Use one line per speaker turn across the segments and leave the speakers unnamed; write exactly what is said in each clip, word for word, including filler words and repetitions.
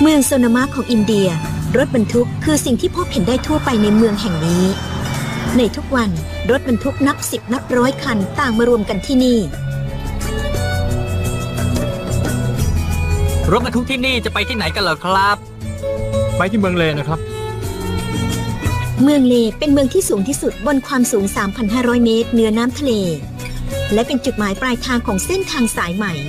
เมืองโซนามะของอินเดียรถบรรทุกคือสิ่งที่พบเห็นได้ทั่วไปในเมืองแห่งนี้ในทุกวันรถบรรทุกนับสิบนับร้อยคันต่างมารวมกันที่นี่
รถบรรทุกที่นี่จะไปที่ไหนกันเหรอครับ
ไปที่เมืองเลนะครับ
เมืองเลเป็นเมืองที่สูงที่สุดบนความสูง สามพันห้าร้อย เมตรเหนือน้ำทะเลและเป็นจุดหมายปลายทางของเส้นทางสายใหม่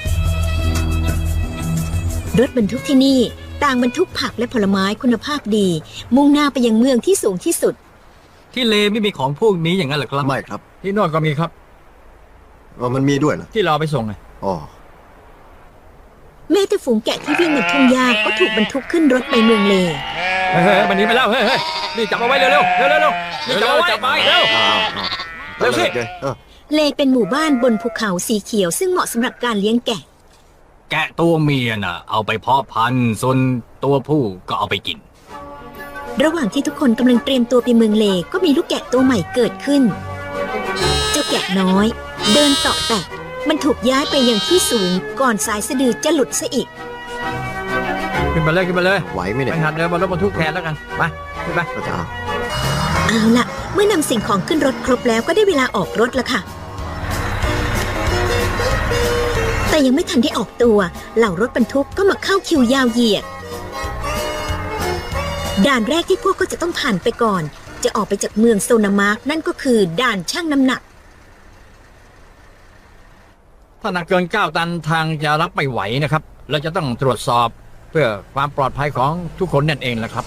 รถบรรทุกที่นี่ต่างบรรทุกผักและผลไม้คุณภาพดีมุ่งหน้าไปยังเมืองที่สูงที่สุด
ที่เลไม่มีของพวกนี้อย่างนั้นเหรอครับ
ไม่ครับ
ที่โน่นก็มีครับ
อ๋อมันมีด้วยเหรอ
ที่เราไปส่งไง
อ๋อ
แม้แต่ฝูงแกะที่วิ่งบนทุ่งหญ้าก็ถูกบรรทุกขึ้นรถไปเมืองเล
เฮ้ยมันหนีไปแล้วเฮ้ยนี่จับเอาไว้เร็วเร็วเร็วเร็วเร็วนี่จับเอาไว้จับไปเร็วเร็วสิ
เลเป็นหมู่บ้านบนภูเขาสีเขียวซึ่งเหมาะสำหรับการเลี้ยงแกะ
แกะตัวเมียน่ะเอาไปเพาะพันธุ์ส่วนตัวผู้ก็เอาไปกิน
ระหว่างที่ทุกคนกำลังเตรียมตัวไปเมืองเลก็มีลูกแกะตัวใหม่เกิดขึ้นเจ้าแกะน้อยเดินเตาะแตะมันถูกย้ายไปยังที่สูงก่อนสายสะดือจะหลุดซะอีก
ขึ้นมาเลยขึ้นมาเลย
ไหวไหมเนี่ย
ไปหัดเดินบนรถบรรทุกแทนแล้วกันไปขึ้นไป
อาจารย์
เอาล่ะเมื่อนำสิ่งของขึ้นรถครบแล้วก็ได้เวลาออกรถแล้วค่ะแต่ยังไม่ทันได้ออกตัวเหล่ารถบรรทุกก็มาเข้าคิวยาวเหยียดด่านแรกที่พวกก็จะต้องผ่านไปก่อนจะออกไปจากเมืองโซนามาร์กนั่นก็คือด่านชั่งน้ำหนัก
ถ้าหนักเกินเก้าตันทางจะรับไม่ไหวนะครับเราจะต้องตรวจสอบเพื่อความปลอดภัยของทุกคนนั่นเองแหละครับ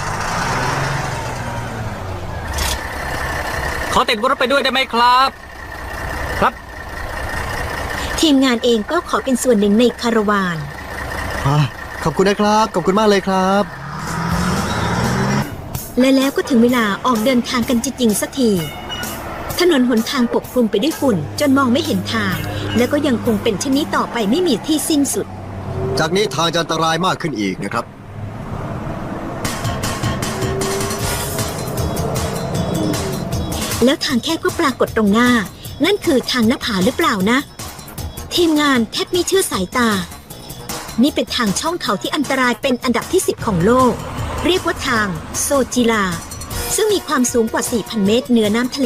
ขอติดรถไปด้วยได้ไหมครับ
ครับ
ทีมงานเองก็ขอเป็นส่วนหนึ่งในคาราวาน
ขอบคุณนะครับขอบคุณมากเลยครับ
และแล้วก็ถึงเวลาออกเดินทางกันจริงๆสักทีถนนหนทางปกคลุมไปด้วยฝุ่นจนมองไม่เห็นทางและก็ยังคงเป็นเช่นนี้ต่อไปไม่มีที่สิ้นสุด
จากนี้ทางจะอันตรายมากขึ้นอีกนะครับ
แล้วทางแคบก็ปรากฏตรงหน้านั่นคือทางหน้าผาหรือเปล่านะทีมงานแทบไม่เชื่อสายตานี่เป็นทางช่องเขาที่อันตรายเป็นอันดับที่สิบของโลกเรียกว่าทางโซจิลาซึ่งมีความสูงกว่า สี่พัน เมตรเหนือน้ำทะเล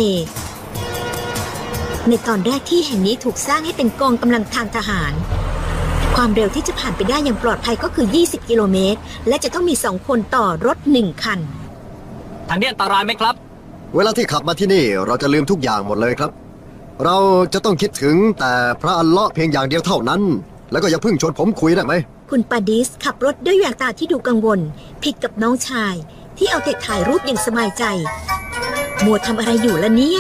ในตอนแรกที่แห่งนี้ถูกสร้างให้เป็นกองกำลังทางทหารความเร็วที่จะผ่านไปได้อย่างปลอดภัยก็คือยี่สิบกิโลเมตรและจะต้องมีสองคนต่อรถหนึ่งคัน
ทางนี้อันตรายไหมครับ
เวลาที่ขับมาที่นี่เราจะลืมทุกอย่างหมดเลยครับเราจะต้องคิดถึงแต่พระอัลเลาะห์เพียงอย่างเดียวเท่านั้นแล้วก็อย่าเพิ่งชวนผมคุยได้ไหม
คุณปาดิสขับรถด้วยแววตาที่ดูกังวลผิดกับน้องชายที่เอาแต่ถ่ายรูปอย่างสบายใจมัวทำอะไรอยู่ล่ะเนี่ย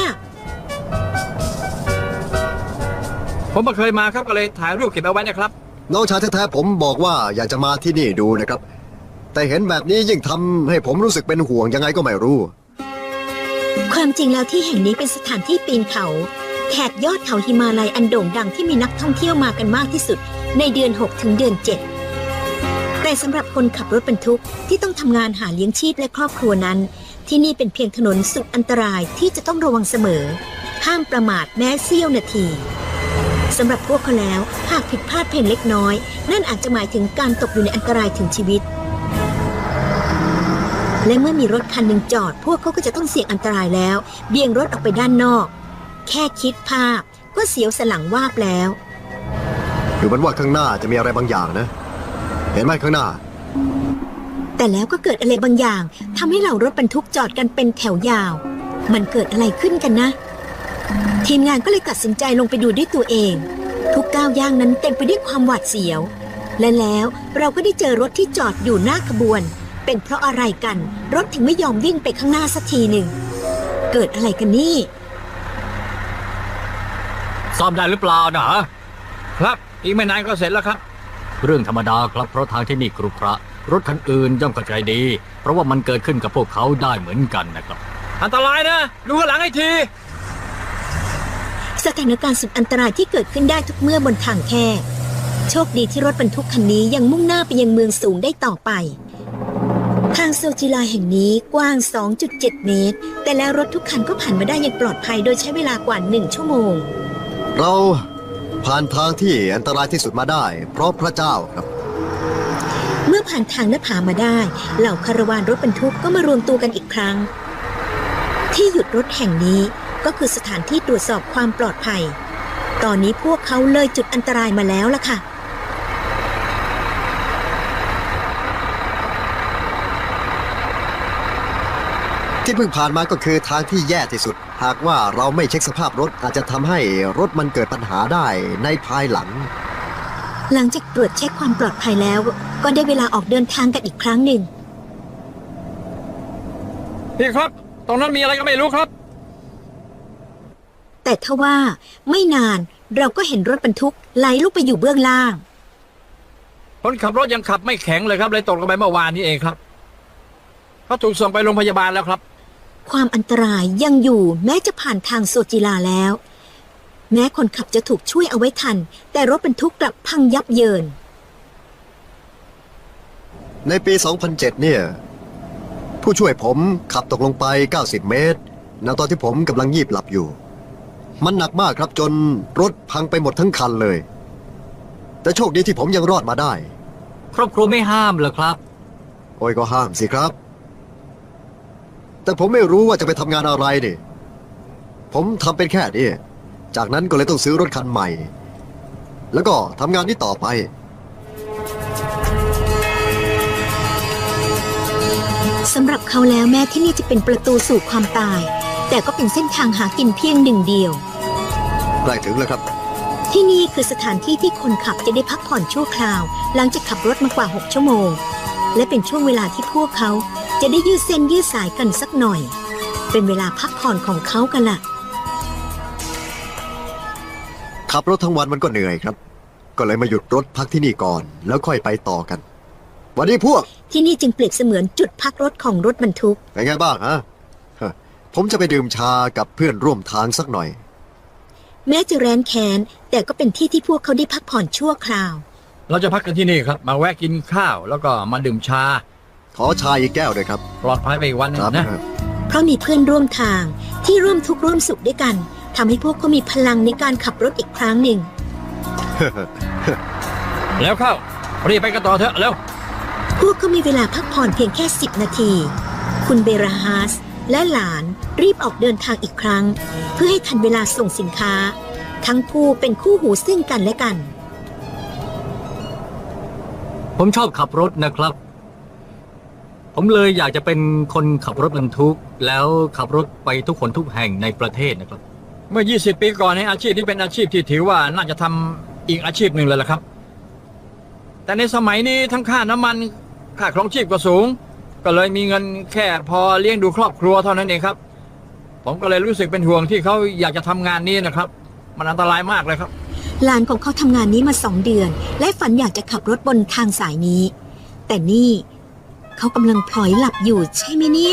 ผมไม่เคยมาครับก็เลยถ่ายรูปเก็บเอาไว้นะครับ
น้องชายแท้ๆผมบอกว่าอยากจะมาที่นี่ดูนะครับแต่เห็นแบบนี้ยิ่งทำให้ผมรู้สึกเป็นห่วงยังไงก็ไม่รู้
ความจริงแล้วที่แห่งนี้เป็นสถานที่ปีนเขาแถบยอดเขาหิมาลัยอันโด่งดังที่มีนักท่องเที่ยวมากันมากที่สุดในเดือนหกถึงเดือนเจ็ดแต่สำหรับคนขับรถบรรทุกที่ต้องทำงานหาเลี้ยงชีพและครอบครัวนั้นที่นี่เป็นเพียงถนนสุดอันตรายที่จะต้องระวังเสมอห้ามประมาทแม้เสี้ยวนาทีสำหรับพวกเขาแล้วหากผิดพลาดเพียงเล็กน้อยนั่นอาจจะหมายถึงการตกอยู่ในอันตรายถึงชีวิตและเมื่อมีรถคันหนึ่งจอดพวกเขาก็จะต้องเสี่ยงอันตรายแล้วเบี่ยงรถออกไปด้านนอกแค่คิดภาพก็เสียวสันหลังวาบแล้ว
ดูเหมือนว่าข้างหน้าจะมีอะไรบางอย่างนะเห็นไหมข้างหน้า
แต่แล้วก็เกิดอะไรบางอย่างทำให้เหล่ารถบรรทุกจอดกันเป็นแถวยาวมันเกิดอะไรขึ้นกันนะทีมงานก็เลยตัดสินใจลงไปดูด้วยตัวเองทุกก้าวย่างนั้นเต็มไปด้วยความหวาดเสียวและแล้วเราก็ได้เจอรถที่จอดอยู่หน้าขบวนเป็นเพราะอะไรกันรถถึงไม่ยอมวิ่งไปข้างหน้าสักทีหนึ่งเกิดอะไรกันนี่
ซ่อมได้หรือเปล่านะ
ครับอีกไม่นานก็เสร็จแล้วครับ
เรื่องธรรมดาครับเพราะทางที่นี่กรุขระรถคันอื่นย่อมเข้าใจดีเพราะว่ามันเกิดขึ้นกับพวกเขาได้เหมือนกันนะครับ
อันตรายนะดูข้างหลังให้ที
สถานการณ์สุดอันตรายที่เกิดขึ้นได้ทุกเมื่อบนทางแคบโชคดีที่รถบรรทุกคันนี้ยังมุ่งหน้าไปยังเมืองสูงได้ต่อไปทางโซจิลาแห่งนี้กว้าง สองจุดเจ็ด เมตรแต่แล้วรถทุกคันก็ผ่านมาได้อย่างปลอดภัยโดยใช้เวลากว่าหนึ่งชั่วโมง
เราผ่านทางที่อันตรายที่สุดมาได้เพราะพระเจ้าครับ
เมื่อผ่านทางหน้าผามาได้ เหล่าคาราวานรถบรรทุกก็มารวมตัวกันอีกครั้ง ที่หยุดรถแห่งนี้ก็คือสถานที่ตรวจสอบความปลอดภัย ตอนนี้พวกเขาเลยจุดอันตรายมาแล้วล่ะค่ะ
ที่เพิ่งผ่านมาก็คือทางที่แย่ที่สุด หากว่าเราไม่เช็คสภาพรถอาจจะทำให้รถมันเกิดปัญหาได้ในภายหลัง
หลังจากตรวจเช็คความปลอดภัยแล้ว ก็ได้เวลาออกเดินทางกันอีกครั้งหนึ่ง
พี่ครับ ตรงนั้นมีอะไรก็ไม่รู้ครับ
แต่ทว่าไม่นานเราก็เห็นรถบรรทุกไหลลุกไปอยู่เบื้องล่าง
คนขับรถยังขับไม่แข็งเลยครับเลยตกลงไปเมื่อวานนี้เองครับเขาถูกส่งไปโรงพยาบาลแล้วครับ
ความอันตรายยังอยู่แม้จะผ่านทางโซจิลาแล้ว แม้คนขับจะถูกช่วยเอาไว้ทัน แต่รถบรรทุกกลับพังยับเยิน
ในปี สองพันเจ็ด เนี่ย ผู้ช่วยผมขับตกลงไป เก้าสิบ เมตรณตอนที่ผมกำลังงีบหลับอยู่ มันหนักมากครับจนรถพังไปหมดทั้งคันเลย แต่โชคดีที่ผมยังรอดมาได้
ครอบครัวไม่ห้ามเหรอครับ
โอ้ยก็ห้ามสิครับ แต่ผมไม่รู้ว่าจะไปทำงานอะไรนี่ ผมทำเป็นแค่นี้จากนั้นก็เลยต้องซื้อรถคันใหม่ แล้วก็ทำงานนี้ต่อไป
สำหรับเขาแล้วแม้ที่นี่จะเป็นประตูสู่ความตาย แต่ก็เป็นเส้นทางหากินเพียงหนึ่งเดียว
ใกล้ถึงแล้วครับ
ที่นี่คือสถานที่ที่คนขับจะได้พักผ่อนชั่วคราว หลังจากขับรถมากว่า หก ชั่วโมง และเป็นช่วงเวลาที่พวกเขาจะได้ยืดเส้นยืดสายกันสักหน่อย เป็นเวลาพักผ่อนของเขากันล่ะ
ขับรถทั้งวันมันก็เหนื่อยครับ ก็เลยมาหยุดรถพักที่นี่ก่อน แล้วค่อยไปต่อกัน วันนี้พวก
ที่นี่จึงเปรียบเสมือนจุดพักรถของรถบรรทุก
เป็นไงบ้างฮะฮะ ผมจะไปดื่มชากับเพื่อนร่วมทางสักหน่อย
แม้จะแร้นแค้นแต่ก็เป็นที่ที่พวกเขาได้พักผ่อนชั่วคราว
เราจะพักกันที่นี่ครับ มาแวะกินข้าว แล้วก็มาดื่มชา
ขอชาอีกแก้วด้วยครับ
ปลอดภัยไปอีกวันหนึง
ครับ
นะ
เพราะมีเพื่อนร่วมทางที่ร่วมทุกข์ร่วมสุขด้วยกันทำให้พวกเขามีพลังในการขับรถอีกครั้งหนึ่ง
แล้วเข้ารีบไปกันต่อเถอะแล้ว
พวกเขามีเวลาพักผ่อนเพียงแค่สิบนาที คุณเบราฮาสและหลานรีบออกเดินทางอีกครั้ง เพื่อให้ทันเวลาส่งสินค้า ทั้งคู่เป็นคู่หูซึ่งกันและกัน
ผมชอบขับรถนะครับ ผมเลยอยากจะเป็นคนขับรถบรรทุก แล้วขับรถไปทุกคนทุกแห่งในประเทศนะครับ
เมื่อ ยี่สิบ ปีก่อนในยอาชีพนี้เป็นอาชีพที่ถือว่าน่าจะทำอีกอาชีพหนึ่งเลยล่ะครับ แต่ในสมัยนี้ทั้งค่าน้ำมันค่าครองชีพก็สูง ก็เลยมีเงินแค่พอเลี้ยงดูครอบครัวเท่านั้นเองครับ ผมก็เลยรู้สึกเป็นห่วงที่เขาอยากจะทำงานนี้นะครับ มันอันตรายมากเลยครับ
หลานของเขาทำงานนี้มาสองเดือน และฝันอยากจะขับรถบนทางสายนี้ แต่นี่เขากำลังพลอยหลับอยู่ใช่ไหมเนี่ย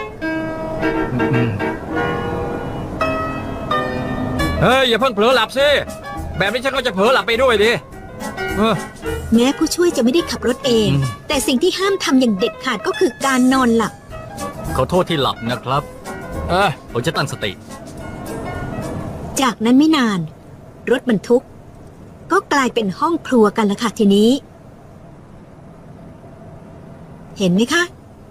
เฮ้ยอย่าเพิ่งเผลอหลับสิแบบนี้ฉันก็จะเผลอหลับไปด้วยดิเออ
แม้ผู้ช่วยจะไม่ได้ขับรถเอง
อืม
แต่สิ่งที่ห้ามทำอย่างเด็ดขาดก็คือการนอนหลับ
ขอโทษที่หลับนะครับ
เออ
ผมจะตั้งสติ
จากนั้นไม่นาน รถบรรทุก ก็กลายเป็นห้องครัวกันละค่ะทีนี้ เห็นไหมคะ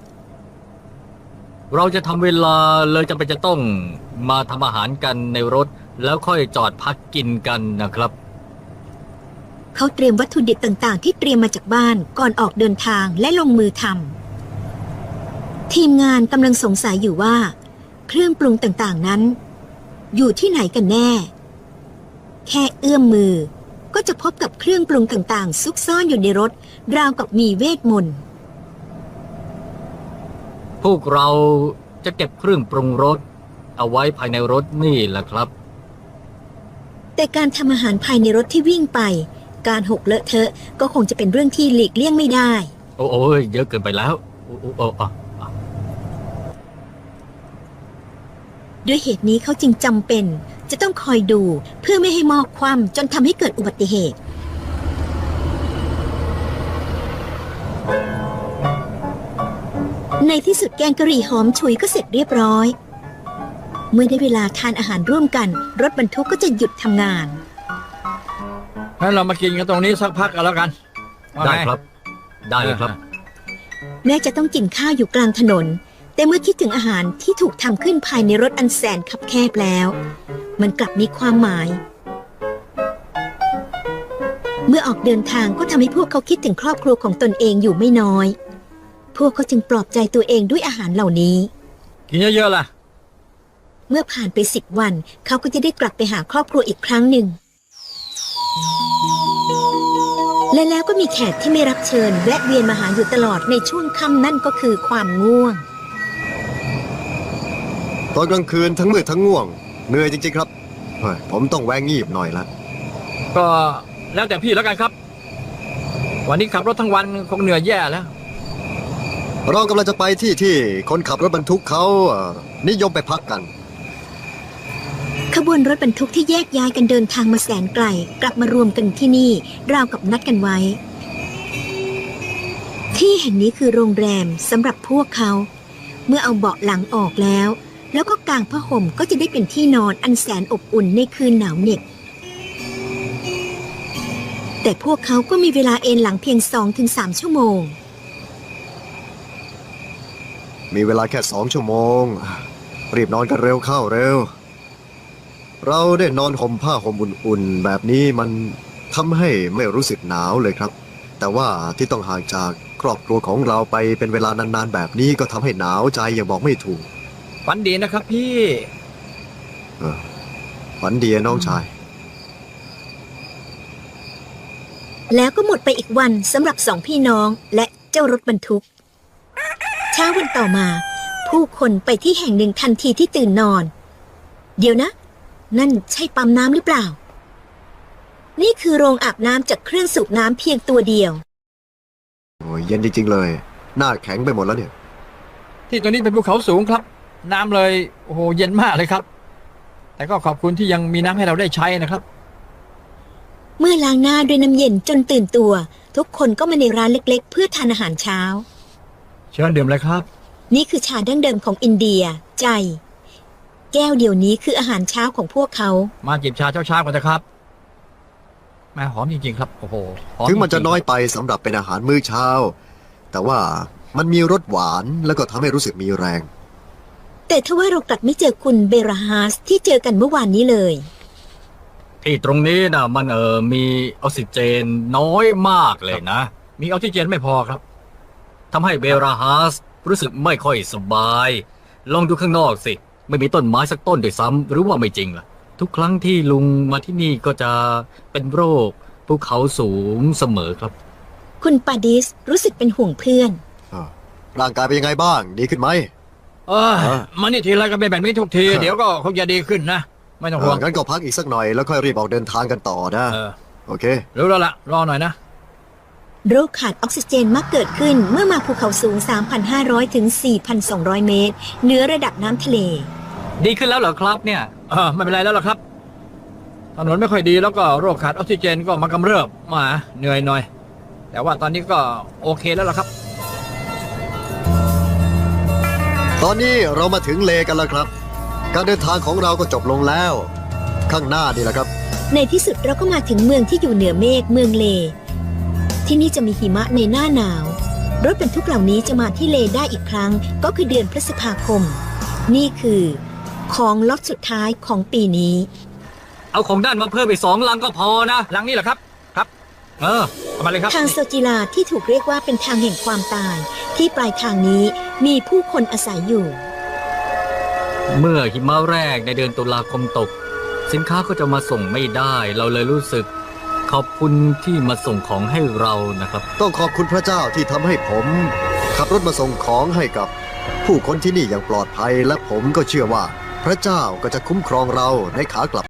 เราจะทำเวลาเลยจำเป็นจะต้องมาทำอาหารกันในรถ แล้วค่อยจอดพักกินกันนะครับ
เขาเตรียมวัตถุดิบต่างๆ ที่เตรียมมาจากบ้านก่อนออกเดินทางและลงมือทำทีมงานกำลังสงสัยอยู่ว่า เครื่องปรุงต่างๆนั้น อยู่ที่ไหนกันแน่ แค่เอื้อมมือ ก็จะพบกับเครื่องปรุงต่างๆ ซุกซ่อนอยู่ในรถ ราวกับมีเวทมนต์
พวกเราจะเก็บเครื่องปรุงรสเอาไว้ภายในรถนี่แหละครับ
แต่การทำอาหารภายในรถที่วิ่งไป การหกเลอะเทอะก็คงจะเป็นเรื่องที่หลีกเลี่ยงไม่ได้
โอ้โอ้ยเยอะเกินไปแล้วโอ้โอ้โอ้อ่ะอ่ะ
ด้วยเหตุนี้เขาจึงจำเป็นจะต้องคอยดูเพื่อไม่ให้หมอกคว่ำจนทำให้เกิดอุบัติเหตุ ในที่สุดแกงกะหรี่หอมฉุยก็เสร็จเรียบร้อย เมื่อได้เวลาทานอาหารร่วมกัน รถบรรทุกก็จะหยุดทำงาน
งั้นเรามากินกันตรงนี้สักพักกันแล้วกันว่า
ได้
ไง
ครับได้เลยครับ
แม้จะต้องกินข้าวอยู่กลางถนน แต่เมื่อคิดถึงอาหารที่ถูกทำขึ้นภายในรถอันแสนคับแคบแล้ว มันกลับมีความหมาย เมื่อออกเดินทางก็ทำให้พวกเขาคิดถึงครอบครัวของตนเองอยู่ไม่น้อย พวกเขาจึงปลอบใจตัวเองด้วยอาหารเหล่านี้
กินเยอะๆล่ะ
เมื่อผ่านไปสิบวัน เขาก็จะได้กลับไปหาครอบครัวอีกครั้งหนึ่ง และแล้วก็มีแขกที่ไม่รับเชิญแวะเวียนมาหาอยู่ตลอดในช่วงค่ำนั่นก็คือความง่วง
ตอนกลางคืนทั้งมืดทั้งง่วงเหนื่อยจริงๆครับเฮ้ยผมต้องแวงงีบหน่อยละ
ก็แล้วแต่พี่แล้วกันครับ วันนี้ขับรถทั้งวันคงเหนื่อยแย่แล้ว
เรากำลังจะไปที่ที่คนขับรถบรรทุกเขาเอ่อนิยมไปพักกัน
ขบวนรถบรรทุกที่แยกย้ายกันเดินทางมาแสนไกลกลับมารวมกันที่นี่ราวกับนัดกันไว้ ที่แห่งนี้คือโรงแรมสำหรับพวกเขา เมื่อเอาเบาะหลังออกแล้ว แล้วก็กางผ้าห่มก็จะได้เป็นที่นอนอันแสนอบอุ่นในคืนหนาวเหน็บแต่พวกเขาก็มีเวลาเอนหลังเพียง สองถึงสาม ชั่วโมง
มีเวลาแค่สองชั่วโมง รีบนอนกันเร็วเข้าเร็ว เราได้นอนห่มผ้าห่มอุ่นๆแบบนี้มันทำให้ไม่รู้สึกหนาวเลยครับ แต่ว่าที่ต้องห่างจากครอบครัวของเราไปเป็นเวลานานๆแบบนี้ก็ทำให้หนาวใจอย่างบอกไม่ถูก
ฝันดีนะครับพี่
เออฝันดีน้องชาย
แล้วก็หมดไปอีกวันสำหรับสองพี่น้องและเจ้ารถบรรทุก เช้าวันต่อมา ผู้คนไปที่แห่งหนึ่งทันทีที่ตื่นนอน เดี๋ยวนะ นั่นใช่ปั๊มน้ำหรือเปล่า นี่คือโรงอาบน้ำจากเครื่องสูบน้ำเพียงตัวเดียว
โอ้ยเย็นจริงๆเลย หน้าแข็งไปหมดแล้วเนี่ย
ที่ตัวนี้เป็นภูเขาสูงครับ น้ำเลยโอ้โหเย็นมากเลยครับ แต่ก็ขอบคุณที่ยังมีน้ำให้เราได้ใช้นะครับ
เมื่อล้างหน้าด้วยน้ำเย็นจนตื่นตัว ทุกคนก็มาในร้านเล็กๆ เพื่อทานอาหารเช้า
เชิญดื่มเลยครับ
นี่คือชาดั้งเดิมของอินเดีย ใจ แก้วเดียวนี้คืออาหารเช้าของพวกเขา
มาจิบชาเช้าๆกันนะครับแม่หอมจริงๆครับโอ้โหหอ
ถึงมันจะ
ริๆ
น้อยไปสำหรับเป็นอาหารมื้อเช้า แต่ว่ามันมีรสหวานแล้วก็ทำให้รู้สึกมีแรง
แต่ทว่าเรากลับไม่เจอคุณเบราฮาสที่เจอกันเมื่อวานนี้เลย
ที่ตรงนี้นะมันเออมีออกซิเจนน้อยมากเลยนะ
มีออกซิเจนไม่พอครับ
ทำให้เบราฮัสรู้สึกไม่ค่อยสบาย ลองดูข้างนอกสิ ไม่มีต้นไม้สักต้นด้วยซ้ำหรือว่าไม่จริงล่ะ ทุกครั้งที่ลุงมาที่นี่ก็จะเป็นโรคภูเขาสูงเสมอครับ
คุณปาดิสรู้สึกเป็นห่วงเพื่อน
อ่าร่างกายเป็นยังไงบ้าง ดีขึ้นไหม
เออ
ฮะ
มานี่ทีไรก็เป็นแบบนี้ทุกที
ฮะ
เดี๋ยวก็คงจะดีขึ้นนะ ไม่ต้องห่วง
อ่างั้นก็พักอีกสักหน่อยแล้วค่อยรีบออกเดินทางกันต่อนะ
เออ
โอเค
รู้แล้วล่ะ รอหน่อยนะ
โรคขาดออกซิเจนมักเกิดขึ้นเมื่อมาภูเขาสูง สามพันห้าร้อย ถึง สี่พันสองร้อย เมตรเหนือระดับน้ำทะเล
ดีขึ้นแล้วเหรอครับเนี่ย
เออไม่เป็นไรแล้วล่ะครับถนนไม่ค่อยดีแล้วก็โรคขาดออกซิเจนก็มากำเริบมาเหนื่อยหน่อย แต่ว่าตอนนี้ก็โอเคแล้วล่ะครับ
ตอนนี้เรามาถึงเลกันแล้วครับ การเดินทางของเราก็จบลงแล้ว ข้างหน้านี่แหละครับ
ในที่สุดเราก็มาถึงเมืองที่อยู่เหนือเมฆเมืองเล ที่นี่จะมีหิมะในหน้าหนาว รถบรรทุกเหล่านี้จะมาที่เลได้อีกครั้งก็คือเดือนพฤษภาคม นี่คือของล็อตสุดท้ายของปีนี้
เอาของด้านมาเพิ่มอีกสองลังก็พอนะ
หลังนี้เหรอครับ ครับ
เออ
เอามาเลยครับ
ทางโซจิลาที่ถูกเรียกว่าเป็นทางแห่งความตาย ที่ปลายทางนี้มีผู้คนอาศัยอยู่
เมื่อหิมะแรกในเดือนตุลาคมตก สินค้าก็จะมาส่งไม่ได้ เราเลยรู้สึก ขอบคุณที่มาส่งของให้เรานะครับ
ต้องขอบคุณพระเจ้าที่ทำให้ผม ขับรถมาส่งของให้กับผู้คนที่นี่อย่างปลอดภัย และผมก็เชื่อว่า พระเจ้าก็จะคุ้มครองเราในขากลับ